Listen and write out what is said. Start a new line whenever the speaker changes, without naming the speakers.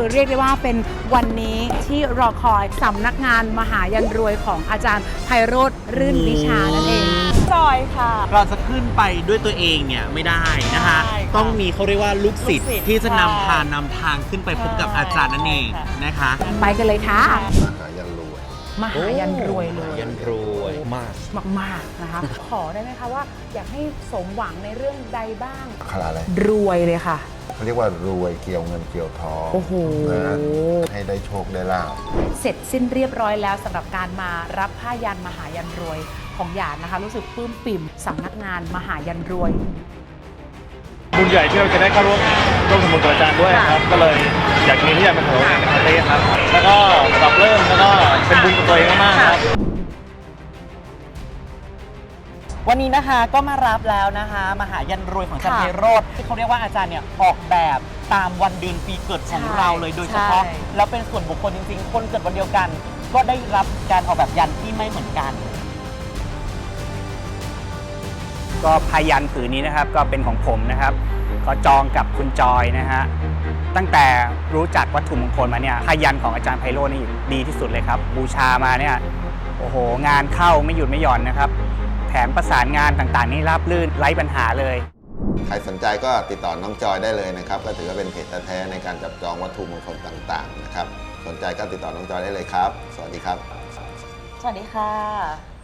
เรียกได้ว่าเป็นวันนี้ที่รอคอยสำนักงานมหายันรวยของอาจารย์ไพโรจน์รื่นวิชานั่นเองจอยค่ะ
เราจะขึ้นไปด้วยตัวเองเนี่ยไม่ได้นะคะต้องมีเขาเรียกว่าลูกศิษย์ที่จะนำทางขึ้นไปพบกับอาจารย์นั่นเองนะคะ
ไปกันเลยค่ะ
มหายันรวย
มหายันรวยเลย
ยันรวย
มากนะคะขอได้ไหมคะว่าอยากให้สมหวังในเรื่องใดบ้าง
คาราอะไร
รวยเลยค่ะ
เขาเรียกว่ารวยเกี่ยวเงินเกี่ยวทอง
โอ้โห
นะให้ได้โชคได้ลาภ
เสร็จสิ้นเรียบร้อยแล้วสำหรับการมารับผ้ายันมหายันรวยของหยาดนะคะรู้สึกปลื้มปิ่มสำนักงานมหายันรวย
บุญใหญ่ที่เราจะได้เข้าร่วมสมบุญกับอาจารย์ด้วยครับก็เลยอยากมีที่อยากเป็นของในประเทศครับแล้วก็ปรับเริ่มแล้วก็เป็นบุญกับตัวเองมากๆครับ
วันนี้นะคะก็มารับแล้วนะคะมหายันรวยของอาจารย์ไพโรจน์ที่เขาเรียกว่าอาจารย์เนี่ยออกแบบตามวันเดือนปีเกิดของเราเลยโดยเฉพาะแล้วเป็นส่วนบุคคลจริงๆคนเกิดวันเดียวกันก็ได้รับการออกแบบยันที่ไม่เหมือนกัน
ก็พายันผืนนี้นะครับก็เป็นของผมนะครับก็จองกับคุณจอยนะฮะตั้งแต่รู้จักวัตถุมงคลมาเนี่ยพายันของอาจารย์ไพโรจน์นี่ดีที่สุดเลยครับบูชามาเนี่ยโอ้โหงานเข้าไม่หยุดไม่หย่อนนะครับแถมประสานงานต่างๆนี่ราบรื่นไร้ปัญหาเลย
ใครสนใจก็ติดต่อน้องจอยได้เลยนะครับก็ถือว่าเป็นเพจแท้ๆในการจับจองวัตถุมงคลต่างๆนะครับสนใจก็ติดต่อน้องจอยได้เลยครับสวัสดีครับ
สวัสดีค่ะ